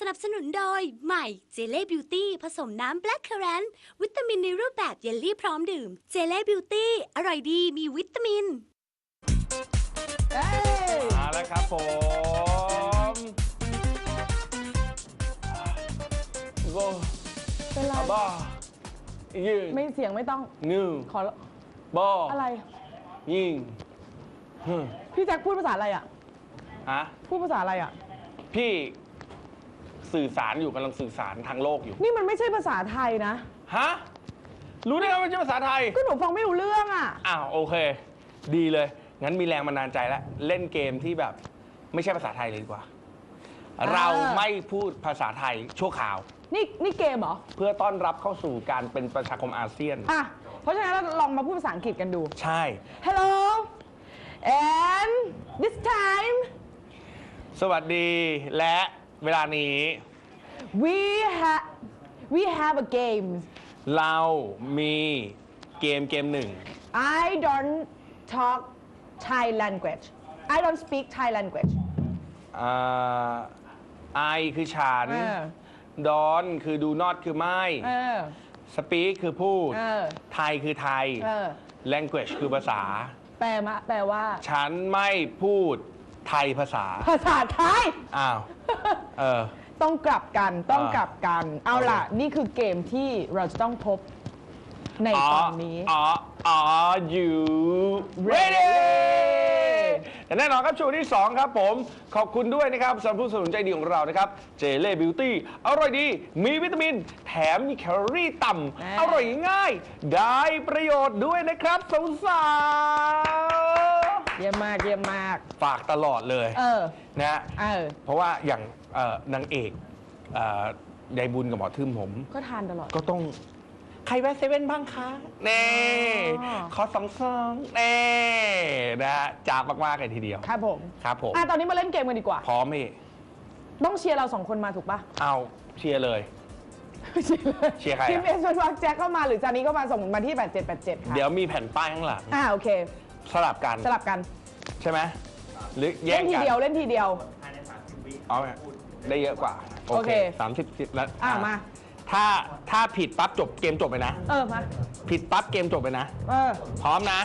สนับสนุนโดยใหม่เจเล่บิวตี้ผสมน้ำแบล็คเคอแรนต์วิตามินในรูปแบบเยลลี่พร้อมดื่มเจเล่บิวตี้อร่อยดีมีวิตามินมาแล้วครับผมโบเป็นไรบ้ายืนไม่เสียงไม่ต้องนึ่งขอบ้าอะไรยิงพี่แจ็คพูดภาษาอะไรอ่ะฮะพูดภาษาอะไรอ่ะพี่สื่อสารอยู่กำลังสื่อสารทางโลกอยู่นี่มันไม่ใช่ภาษาไทยนะฮะ รู้ได้ไงว่าไม่ใช่ภาษาไทยก็หนูฟังไม่รู้เรื่องอ่ะอ้าวโอเค ดีเลย งั้นมีแรงบันดาลใจแล้ว เล่นเกมที่แบบไม่ใช่ภาษาไทยเลยดีกว่า เราไม่พูดภาษาไทยชั่วคราวนี่เกมเหรอเพื่อต้อนรับเข้าสู่การเป็นประชาคมอาเซียนอ่ะ เพราะฉะนั้นเราลองมาพูดภาษาอังกฤษกันดูใช่ Hello and this time สวัสดีและเวลานี้ we have a game เรามีเกมหนึ่ง I don't talk Thai language I don't speak Thai language ไอคือฉัน ดอนคือดูนอตคือไม่ สปีกคือพูด ไทยคือไทย language คือภาษาแปลว่าฉันไม่พูดไทยภาษาภาษาไทยอ้าวต้องกลับกัน เอาโอเคล่ะ นี่คือเกมที่เราจะต้องพบในตอนนี้ Are you ready แต่แน่นอนครับช่วงที่ 2 ครับผม ขอบคุณด้วยนะครับสำหรับผู้สนับสนุนใจดีของเรานะครับเจเล่บิวตี้อร่อยดี มีวิตามิน แถมมีแคลอรี่ต่ำ อร่อยง่าย ได้ประโยชน์ด้วยนะครับสาวๆเยี่ยมมากฝากตลอดเลยนะ เพราะว่าอย่างนางเอกยายบุญกับหมอทึมผมก็ทานตลอดก็ต้องใครแวะเซเว่นบ้างคะเน่ขอ2 ซองเน่นะจ้าบมากๆเลยทีเดียวครับผมครับผมตอนนี้มาเล่นเกมกันดีกว่าพร้อมพี่ต้องเชียร์เรา2 คนมาถูกปะเอาเชียร์เลย เชียร์ใครอะทีมเอสวักแจ็คเข้ามาหรือจานี้ก็มาส่งมาที่ 8787 ค่ะเดี๋ยวมีแผ่นป้ายข้างหลังโอเคสลับกัน ใช่ไหมหรือแย่เล่งนทีกันเดียวอ๋อได้เยอะกว่า โอเค 30 แล้วมาถ้าผิดปั๊บจบเกมจบไปนะมาผิดปั๊บเกมจบไปนะ พร้อมนะ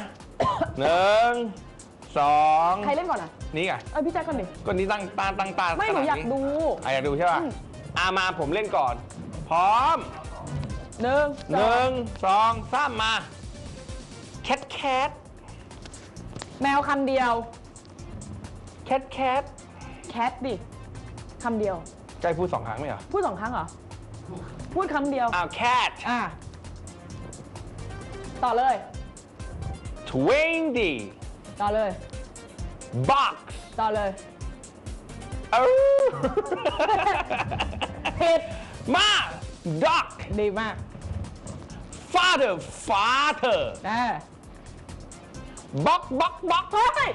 1 2 ใครเล่นก่อนอ่ะนี่ไงพี่แจ็คก่อนดิก็นี้ตั้งตาไม่หนูอยากดูอยากดูใช่ป่ะมาผมเล่นก่อน พร้อม 1 2 3 มาแคทแมวคำเดียวแคทดิคำเดียวใจพูด2 ครั้งไหมเหรอพูด2 ครั้งเหรอ พูดคำเดียวแคทต่อเลย 20 ต่อเลย box ต่อเลยผิดมา duck ดีมาก father box เฮ้ย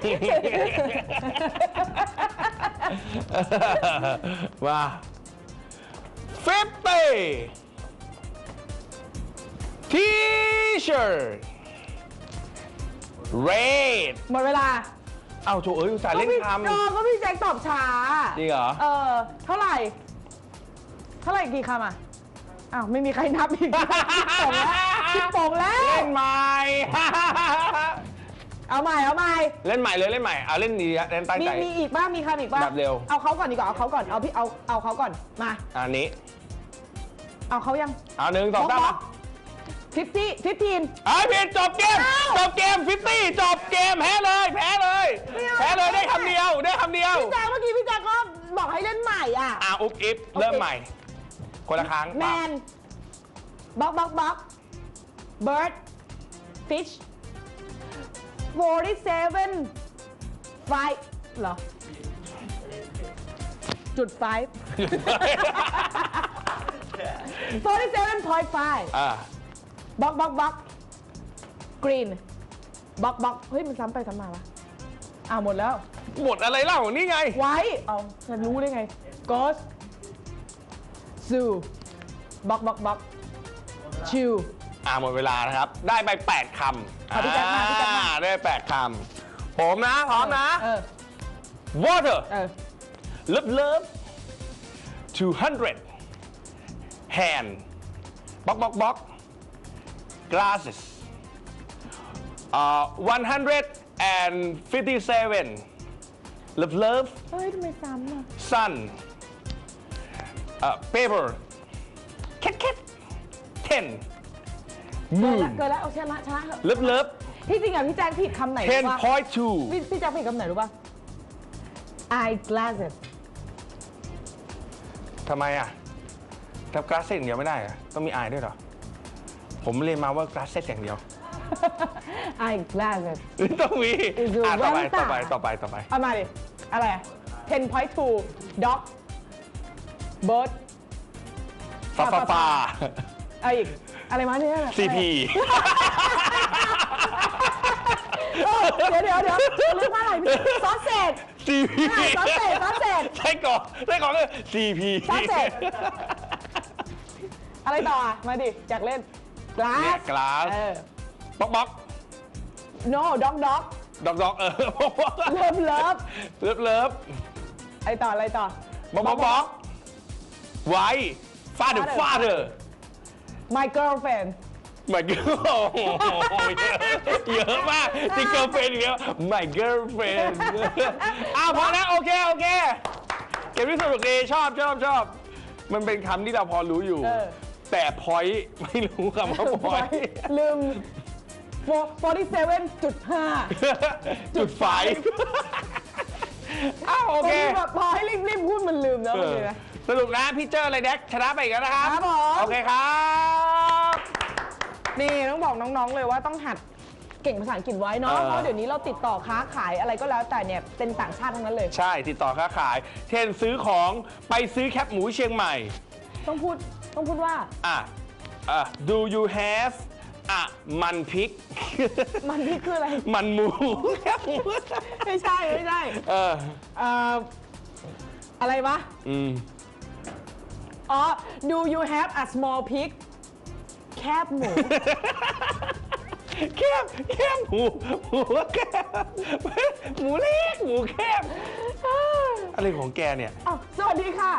ว่า 50 t-shirt red หมดเวลาเอาโถอุตส่าห์เล่นคำก็พี่แจ็คตอบช้าจริงเหรอเท่าไหร่กี่คำอ่ะ ไม่มีใครนับอีกคิดโป่งแล้วเล่นใหม่เอาใหม่เล่นใหม่เลยเล่นใหม่เอาเล่นดีเล่นตั้งใจมีอีกบ้างมีคำอีกบ้างแบบเร็วเอาเขาก่อนดีกว่าเอาเขาก่อนเอาเขาก่อนมาอันนี้เอาเขายังเอา1 2 3 15 ผิดจบเกม50จบเกมแพ้เลยได้คำเดียวพี่แจ๊คเมื่อกี้พี่แจ๊คก็บอกให้เล่นใหม่อุ๊บอิ๊บเริ่มใหม่ คนละครั้งแมนบ็อกเบิร์ดฟิช47 ไฟเหรอจุดไฟ47.5บ็อกกรีนบ็อกเฮ้ยมันซ้ำไปซ้ำมาวะหมดแล้วหมดอะไรเล่านี่ไงไว้ฉันรู้ได้ไง Ghost Zoo บ็อกชิวหมดเวลานะครับ ได้ไป8 คำพี่แจ๊คมาได้8 คำผมนะพร้อมนะ water love 200 hand box glasses 157 love เฮ้ยทำไมซ้ำอ่ะ sun paper cat 10 moon เกินแล้วเอาชนะเถอะ love ที่จริงอ่ะพี่แจ็คผิดคำไหนรู้ป่ะ 10.2 พี่แจ็คผิดคำไหนรู้ป่ะ eye glasses ทำไมอ่ะทำ glasses อย่างเดียวไม่ได้เหรอต้องมี eye ด้วยเหรอ ผมเรียนมาว่า glasses อย่างเดียว eye glasses ต้องมีดูต่อไปแว่นตา เอามาดิอะไรอ่ะ 10.2 dog bird ฟ้าเอาอีกอะไรมาเนี่ย CP เดี๋ยวเรียกว่าอะไรซอสเศษ CP ซอสเศษใช่ก่อนเลย CP ซอสเศษอะไรต่ออ่ะมาดิอยากเล่นเนี่ย glass glass บ็อก no dog ด็อกเลิฟอะไรต่อบ็อกไว้ฟาเดอร์ my girlfriend my girl เยอะมากที่ girlfriend อย่างเงี้ย my girlfriend พอแล้วโอเคเกมที่สนุกดีชอบมันเป็นคำที่เราพอรู้อยู่ แต่ point ไม่รู้คำว่า point ลืม 47.5 จุดไฟโอเคแบบพอให้รีบพูดมันลืมนะโอเคนะสรุปนะพี่เจออะไรแดกชนะไปอีกแล้วนะครับครับผมโอเคครับนี่ต้องบอกน้องๆเลยว่าต้องหัดเก่งภาษาอังกฤษไว้เนาะเพราะเดี๋ยวนี้เราติดต่อค้าขายอะไรก็แล้วแต่เนี่ยเป็นต่างชาติทั้งนั้นเลยใช่ติดต่อค้าขายเช่นซื้อของไปซื้อแคปหมูเชียงใหม่ต้องพูดว่า do you have มันพริกมันนี่คืออะไรมันหมูไม่ใช่อะไรวะอ๋อ do you have a small pig แคบหมูแคบหมูแคบหมูเล็กหมูแคบอะไรของแกเนี่ยสวัสดีค่ะ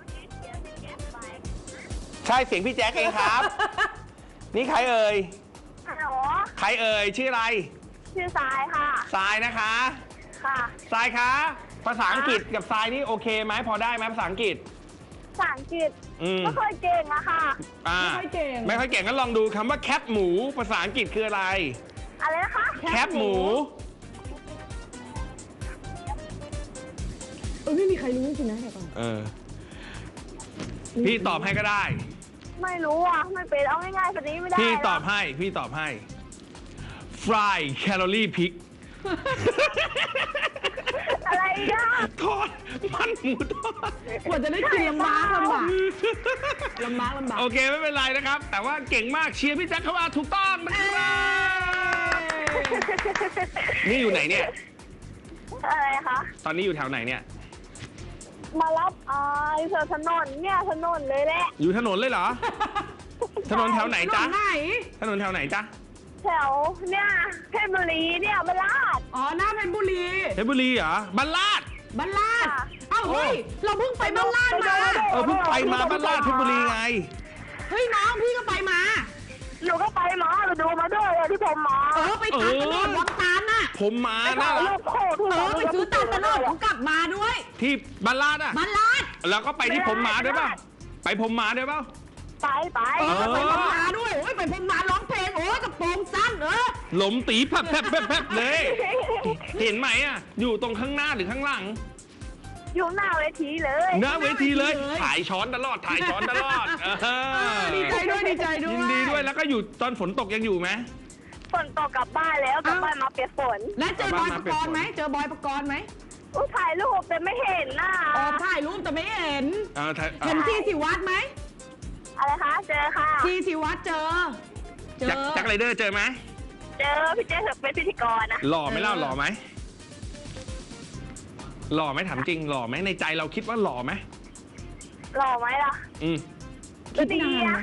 ใช่เสียงพี่แจ๊คเองครับ นี่ใครเอ่ยฮัลโหลใครเอ่ยชื่ออะไรชื่อสายค่ะทรายนะคะค่ะทรายคะภาษาอังกฤษกับทรายนี่โอเคไหมพอได้ไหมภาษาอังกฤษภาษาอังกฤษไม่ค่อยเก่งอะค่ะไม่ค่อยเก่งไม่ค่อยเก่งก็ลองดูคำว่าแคปหมูภาษาอังกฤษคืออะไรอะไรนะคะแคปหมูไม่มีใครรู้จริงๆนะเดี๋ยวก่อนพี่ตอบให้ก็ได้ไม่รู้อ่ะไม่เป็นเอาง่ายๆแบบนี้ไม่ได้พี่ตอบหรกให้ fry calorie pig อะไรนะทอดมันหมูทอดกว่าจะได้กินลำบากโอเคไม่เป็นไรนะครับ แต่ว่าเก่งมากเชียร์พี่แจ็คเข้ามาถูกต้องนะครับนี่อยู่ไหนเนี่ยอะไรคะตอนนี้อยู่แถวไหนเนี่ยมารับอยู่แถวถนนเนี่ยถนนเลยแหละอยู่ถนนเลยเหรอ ถนนแถวไหนจ๊ะไหนถนนแถวไหนจ๊ะแถวเนี่ยเพชรบุรีเนี่ยบลาดอ๋อหน้าเพชรบุรีเพชรบุรีเหรอบ้านลาดบ้านลาดค่ะเอ้าเฮ้ยเราเพิ่งไปบ้านลาดมาเพิ่งไปมาบ้านลาดเพชรบุรีไงเฮ้ยน้องพี่ก็ไปมาหนูก็ไปมาหนูดูมาด้วยเลยที่ผมมาไปตัดตลอดวังตาลน่ะผมมาไปน่าถ่ายรัรูกปคู่ที่ไปซื้อตัดตลอดผมกลับมาด้วยที่บ้านลาดอ่ะบ้านลาดแล้วก็ไปที่ผมมาด้วยเปล่าไปผมมาด้วยเปล่าไปไปพม่าด้วยโอ้ยไปพม่าร้องเพลงโอ้ยกระโปรงสั้นหลมตีแผบเลย เห็นไหมอ่ะ อยู่ตรงข้างหน้าหรือข้างหลังอยู่หน้าเวทีเลยหน้าเวทีเลย ถ่ายช้อนตลอดดีใจด้วยยินดีด้วยแล้วก็อยู่ตอนฝนตกยังอยู่ไหมฝนตกกลับบ้านแล้วกลับบ้านมาเปียกฝนแล้วเจอบอยปกรณ์ไหมถ่ายรูปแต่ไม่เห็นน่ะถ่ายรูปแต่ไม่เห็นเห็นที่สิวัดไหมอะไรคะ เจอค่ะที่สิวัดเจอจักรไรเดอร์เจอไหมเจอพี่เจอเป็นพิธีกรนะหล่อไหมเล่าหล่อไหมถามจริงหล่อไหมในใจเราคิดว่าหล่อไหมหล่อไหมล่ะก็ดีอ่ะ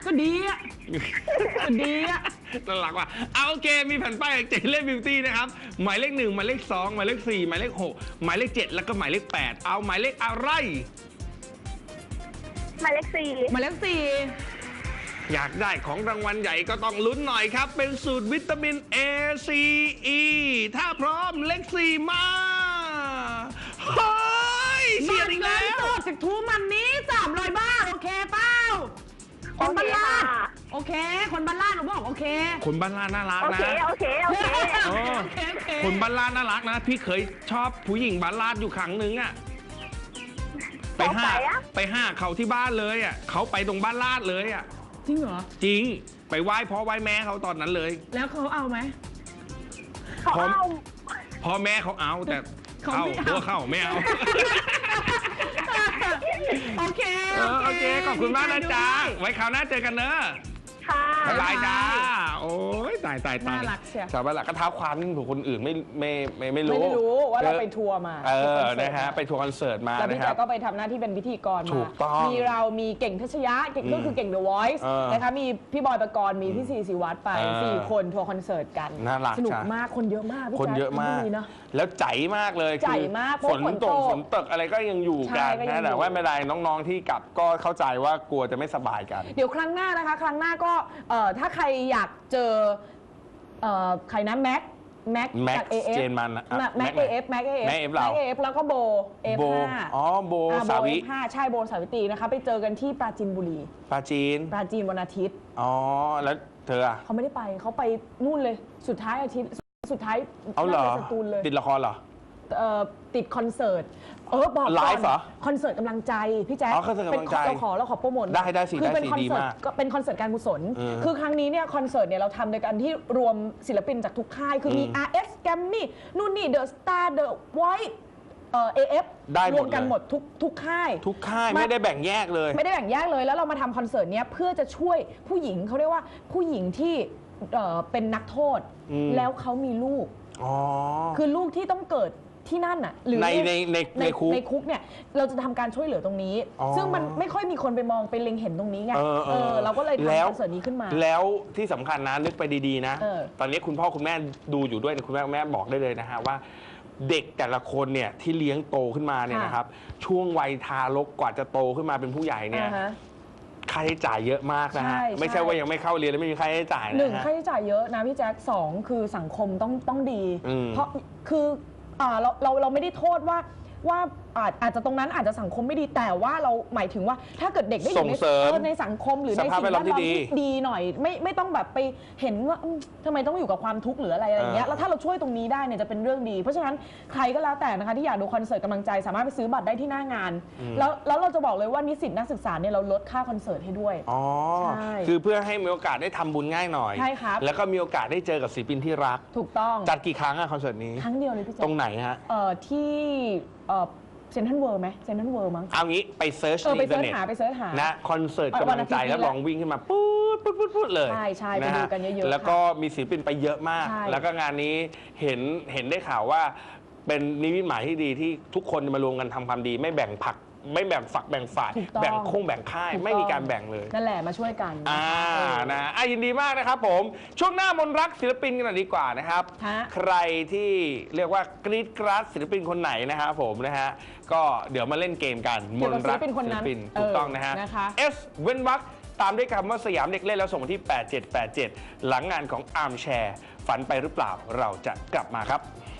น่ารักว่ะโอเคมีแผ่นป้ายจากเจเล่บิวตี้นะครับหมายเลข 1หมายเลข 2หมายเลข 4หมายเลข 6หมายเลข 7แล้วก็หมายเลข 8เอาหมายเลขอะไรหมายเลข 4 หมายเลขอยากได้ของรางวัลใหญ่ก็ต้องลุ้นหน่อยครับ เป็นสูตรวิตามิน A C E ถ้าพร้อมเลข 4 มาเฮ้ย 4 เสียอีกแล้วสดจากทูมันนี้300 บาท โอเคเปล่าคนบ้านลาดโอเค คนบ้านลาดหนูบอกโอเคคนบ้านลาดน่ารักโอนะเค โอเค โอเคโอ้โอเคโอเคคนบ้านลาดน่ารักนะ พี่เคยชอบผู้หญิงบ้านลาดอยู่ครั้งหนึ่งอะไปห้าเขาที่บ้านเลยอะเขาไปตรงบ้านลาดเลยอะจริงเหรอจริงไปไหว้พ่อไหว้แม่เขาตอนนั้นเลยแล้วเขาเอาไหมเขาเอาพ่อแม่เขาเอาแต่เขาเข้าไม่เอาตัวเข้าไม่เอาโอเคโอเค ขอบคุณมากนะจ๊ะ ไว้คราวหน้าเจอกันเนอะค่ะบ๊ายบายจ้า โอ้ยตายน่ารักเชียวชาวบ้านหลักก็เท้าความนี่ถูกคนอื่นไม่ไม่รู้ได้รู้ว่าเราไปทัวร์มานะฮะไปทัวร์คอนเสิร์ตมาแล้วพี่นะคแจ๊รัคบก็ไปทำหน้าที่เป็นพิธีกรถูมากต้องมีเรามีเก่งทัชยะเก่งก็คือเก่ง The Voice นะคะมีพี่บอยปกรณ์มีพี่ซีศิวัตรไป 4 คนทัวร์คอนเสิร์ตกันน่ารักสนุกจ้ะมากคนเยอะมากพี่คนแจ๊คเยอะมากดีเนอะแล้วใจมากเลยใจมากเพฝราะนฝนตตกกฝนตกอะไรก็ยังอยู่ใช่กันก็ยังอยู่นะแต่ว่าไม่เป็นไรน้องๆที่กลับก็เข้าใจว่ากลัวจะไม่สบายกันเดี๋ยวครั้งหน้านะคะ ครั้งหน้าก็ถ้าใครอยากเจอใครนะแม็ก Max จาก AF เจนมันแม็ก AF แม็ก AF แม็ก AF เรา AF แล้วก็โบโบ F5 อ๋อโบสาวิโบ F5 ใช่โบสาวิตรีนะคะไปเจอกันที่ปราจีนบุรีปาจีนปราจีนวันอาทิตย์อ๋อแล้วเธออะเขาไม่ได้ไปเขาไปนู่นเลยสุดท้ายอาทิตย์สุดท้ายเอาเหรอน่จะสตูลเลยติดละครเหรอติดคอนเสิร์ตบอกก่อนไลฟ์เหรอคอนเสิร์ตกำลังใจพี่แจ๊คอ๋อคอนเสิร์ตกำลังใจเราขอโปรโมทได้สิคือเป็นได้สิคอนดีเสิร์ตมากก็เป็นคอนเสิร์ตการกุศลอืมคือครั้งนี้เนี่ยคอนเสิร์ตเนี่ยเราทำโดยการที่รวมศิลปินจากทุกค่าย คือมี RS Grammy นู่นนี่ The Star The Voice AF ได้หมดรวมกันเลยหมดทุกค่ายทุกค่ายไม่ได้แบ่งแยกเลยไม่ได้แบ่งแยกเลยแล้วเรามาทำคอนเสิร์ตเนี้ยเพื่อจะช่วยผู้หญิงเขาเรียกว่าผู้หญิงที่เป็นนักโทษ แล้วเขามีลูกอ๋อคือลูกที่ต้องเกิดที่นั่นน่ะหรือในคุกในคุกเนี่ยเราจะทำการช่วยเหลือตรงนี้อ๋อซึ่งมันไม่ค่อยมีคนไปมองไปเล็งเห็นตรงนี้ไง เราก็เลยทำแล้วคอนเสิร์ตนี้ขึ้นมาแล้วที่สำคัญนะนึกไปดีๆนะเออตอนนี้คุณพ่อคุณแม่ดูอยู่ด้วยคุณแม่บอกได้เลยนะฮะว่าเด็กแต่ละคนเนี่ยที่เลี้ยงโตขึ้นมาเนี่ยนะครับช่วงวัยทารกกว่าจะโตขึ้นมาเป็นผู้ใหญ่เนี่ยอ่าฮะค่าใช้จ่ายเยอะมากนะฮะใช่ไม่ใช่ว่ายังไม่เข้าเรียนแล้วไม่มีค่าใช้จ่ายหนึ่งนะฮะค่าใช้จ่ายเยอะนะพี่แจ๊คสองคือสังคมต้องดีอืมเพราะคือเราไม่ได้โทษว่าอาจจะตรงนั้นอาจจะสังคมไม่ดีแต่ว่าเราหมายถึงว่าถ้าเกิดเด็กได้อยู่ส่งเสริมในสังคมหรือในสภาพสิ่งแวดล้แวอมดล้อมที่ดีที่ดีหน่อยไม่ต้องแบบไปเห็นว่าทำไมต้องอยู่กับความทุกข์หรืออะไรอย่างเงี้ยเออแล้วถ้าเราช่วยตรงนี้ได้เนี่ยจะเป็นเรื่องดี เพราะฉะนั้นใครก็แล้วแต่นะคะที่อยากดูคอนเสิร์ตกำลังใจสามารถไปซื้อบัตรได้ที่หน้างาน แล้วเราจะบอกเลยว่านิสิตนักศึกษาเนี่ยเราลดค่าคอนเสิร์ตให้ด้วยอ๋อใช่คือเพื่อให้มีโอกาสได้ทำบุญง่ายหน่อยใช่ครับแล้วก็มีโอกาสได้เจอกับศิลปินที่รักถูกต้องจัดกี่ครั้งอะคอนเสิร์ตนี้ครั้งเดียวเลยพี่แจ๊คตรงไหนฮะที่เซนทรัลเวิลด์ไหมเซนทรัลเวิลด์มั้งเอางี้ไปเซิร์ชในไปอินเทอเสิร์ร์ชเน็ตหาไปเสิร์ชหานะคอนเสิร์ตวักำนลัอาง ทิตย์ใจนี้แล้วลองวิ่งขึ้นมาปุ๊บเลยใช่ไปนะดูฮะกันเยอะๆแล้วก็ค่ะมีศิลปินไปเยอะมากใช่แล้วก็งานนี้เห็นได้ข่าวว่า เป็นนิมิตหมายที่ดีที่ทุกคนมารวมกันทำความดี ไม่แบ่งผักไม่แบ่งฝักแบ่งฝ่ายถูกต้องแบ่งแบ่งค่ายถูกต้องไม่มีการแบ่งเลยนั่นแหละมาช่วยกันนะยินดีมากนะครับผม ช่วงหน้ามนรักศิลปินกันหน่อยดีกว่านะครับฮะใครที่เรียกว่ากรีดกราดศิลปินคนไหนนะครับผมนะฮะก็เดี๋ยวมาเล่นเกมกันเกี่ยวกับศิลปินคนนั้นถูกต้องนะฮะนะคะ S เว้นวรรคตามด้วยคำว่าสยามเด็กเล่นแล้วส่งมาที่ 8787 หลังงานของอาร์มแชร์ฝันไปหรือเปล่าเราจะกลับมาครับ